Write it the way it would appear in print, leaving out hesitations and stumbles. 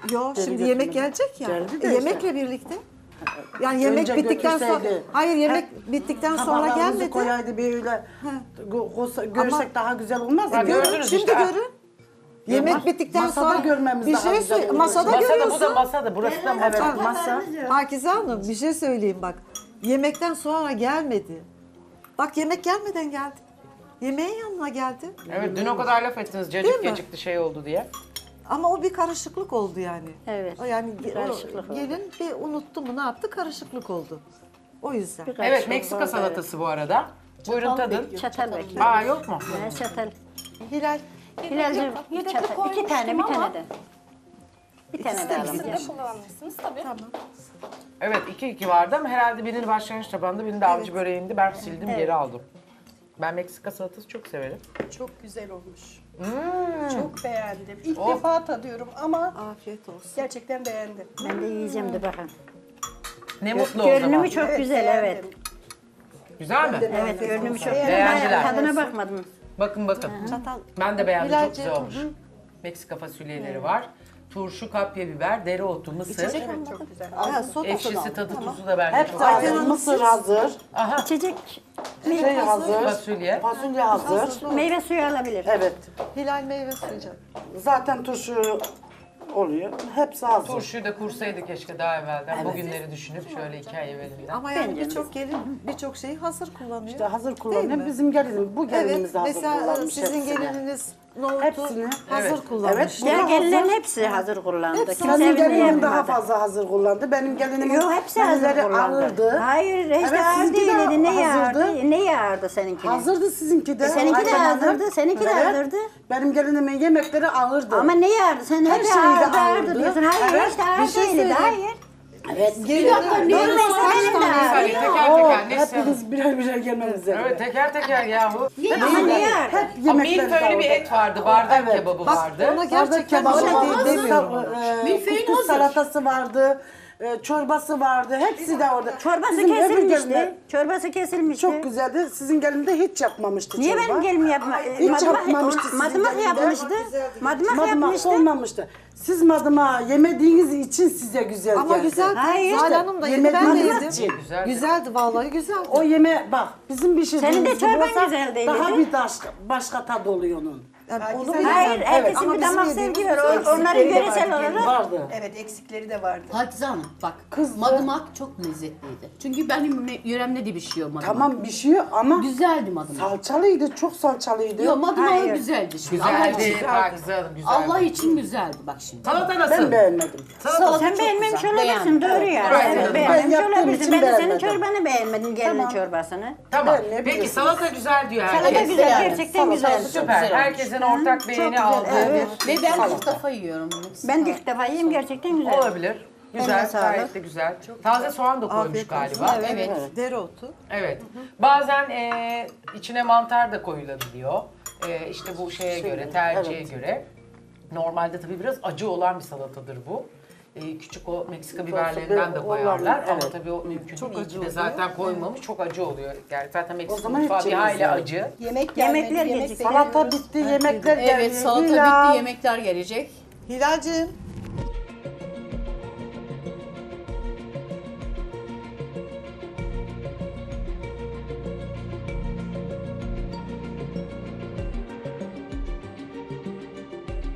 Yo şimdi yemek gelecek ya. Geldi de Yemekle birlikte. Yani yemek Önce bittikten sonra götürseydi. hayır yemek bittikten sonra Tabaklarımızı gelmedi. koyaydı böyle. Görsek daha güzel olmaz mı? Ha, Görün gördünüz şimdi işte. görün. Yemek bittikten masada sonra görmemiz bir daha şey güzel söyle. olur. Masada Masada görüyorsun. bu da masada. Burası da Evet masa. masa. Pakize Hanım bir şey söyleyeyim bak. Yemekten sonra gelmedi. Bak yemek gelmeden geldi. Yemeğin yanına geldi. Evet dün o kadar laf ettiniz Değil cacık mi? gecikti şey oldu diye. Ama o bir karışıklık oldu yani. Evet, O yani karışıklık oldu. gelin bir unuttu mu ne yaptı? Karışıklık oldu. O yüzden. Evet Meksika salatası bu arada. Buyurun tadın. Çatal bekliyor. Aa yok mu? Çatal. Hilal Hilal'cim bir çatal. İki tane, bir tane de. Bir tane de alalım. Siz de kullanmışsınız tabii. Evet 2-2 vardı ama herhalde birini başlangıç tabağında birini de avcı böreğinde ben sildim geri aldım. Ben Meksika salatası çok severim. Çok güzel olmuş. Çok beğendim. İlk Oh. defa tadıyorum ama afiyet olsun. gerçekten beğendim. Ben de yiyeceğim de bakın. Ne mutlu o zaman. Görünümü çok güzel, evet. beğendim. Güzel mi? Evet, görünümü çok Beğendiler. Tadına bakmadım. Bakın bakın. Çatal. Ben de beğendim çok Hilal'cim, güzel olmuş. Meksika fasulyeleri var. Turşu, kapya biber, dereotu, mısır. Evet çok güzel. Ha, soda Ekşisi, tadı, tuzu da bence Hep çok hazır. güzel. Mısır hazır. İçecek Şey hazır. Fasulye. Fasulye hazır. meyve suyu alabilir. Evet. Hilal meyve suyu canım. Zaten turşu oluyor. Hepsi hazır. Turşuyu da kursaydı keşke daha evvelden. Bugünleri düşünüp şöyle 2 ay evvelinden. Ama yani birçok gelin birçok şeyi hazır kullanıyor. İşte hazır Değil kullanıyor. mi? Bizim gelinimiz, bu Evet, gelinimiz hazır mesela kullanmış sizin hepsini. gelininiz nohutu Hepsini. hazır Evet. kullanmış. Evet, bu Ya da gelinlerin hazır. hepsi hazır kullandı. Hepsi Kimse Benim evinde gelinim daha yapmadı. fazla hazır kullandı. Benim gelinim Yok hepsi hazır menüleri kullandı. ağırdı. Hayır hiç Evet, de ağır sizinki de değildi. Ne hazırdı. yağardı? Ne yağardı seninkine? Hazırdı sizinki de. Seninki de Ayten Hanım. hazırdı, seninki de Evet. hazırdı. Benim gelinimin yemekleri ağırdı. Ama ne yağardı? Sen Her hep şeyi de ağırdı ağırdı. diyorsun. Hayır Evet, hiç de ağır bir şey değildi. söyleyeyim. Hayır. Evet. Bir dakika Benim benim de ağır. Hadi teker Oo, teker neyse. hepiniz birer birer gelmeniz lazım. Evet teker teker yahu. Ama ne yağardı? Hep Ama yemekleri milföylü bir ağırdı. et vardı, bardak Evet. kebabı Bak vardı. ona gerçekten Bardak bir şey kebabı değil vardı, demiyorum. kuskus salatası vardı, çorbası vardı. Hepsi de orada. Çorbası Bizim öbür kesilmişti. gelinler Çorbası kesilmişti. çok güzeldi. Sizin gelin de hiç yapmamıştı Niye çorba. benim gelim yapma? Hiç yapmamıştı sizin Madımak gelinler. yapmıştı. Madımak Madımak yapmıştı. olmamıştı. Siz madıma yemediğiniz için size güzel Ama geldi. güzeldi. Hayır. Zuhal Hanım da yedi, ben de Yemediğiniz yedim. için. Güzeldi. Güzeldi vallahi güzeldi. O yeme bak bizim bir şey Senin de çorban güzel değildi. daha bir başka tadı oluyor onun. Yani onu Hayır, bilemem. Hayır, herkesin Ama bir bizim damak yediğimiz sevgi var. güzel. Onların Eksikleri de göresel vardı, olarak. vardı. Evet eksikleri de vardı. Pakize Hanım bak madımak çok lezzetliydi. Çünkü benim yöremde de pişiyor madımak. Tamam pişiyor ama Güzeldi madımak. salçalıydı, çok salçalıydı. Yok madımak Hayır. güzeldi şimdi. Allah Güzeldi. için. Pakize Hanım güzeldi. Allah için güzeldi bak şimdi. Salata nasıl? Ben beğenmedim. Salata Sen çok beğenmemiş güzel. olabilirsin, doğru ya. Evet, Evet, ben beğenmemiş yaptığım olabilirsin. için Ben de senin beğenmedim. çorbanı beğenmedim, gelinin Tamam. çorbasını. Tamam. Ben ne Peki biliyorsunuz? salata güzel diyor Salata herkes. güzel, yani. gerçekten güzel. Salata Süper. Güzel olmuş. Herkesin ortak beğeni aldığı evet. Ve ben ilk defa yiyorum bunu. Ben de ilk defa yiyeyim, gerçekten güzel. olabilir. Güzel, Eline sağlık. gayet de güzel. Taze soğan da koymuş Afiyet olsun. galiba. Evet. Evet. Dereotu. Evet. Bazen içine mantar da koyulabiliyor. İşte bu şeye göre, tercihe göre. Normalde tabii biraz acı olan bir salatadır bu. Küçük o Meksika biberlerinden de koyarlar. Ama evet. tabii o mümkün Çok değil. acı İyi ki de oluyor. zaten koymamış. Çok acı oluyor. Yani zaten Meksika zaman hiç mutfağı bir yemez hayli yani. acı. Yemek Yemekler gelmedi, yemek gecikti. bekliyoruz. Salata bitti, yemekler geldi. Evet salata Pilav. bitti, yemekler gelecek. Hilal'cim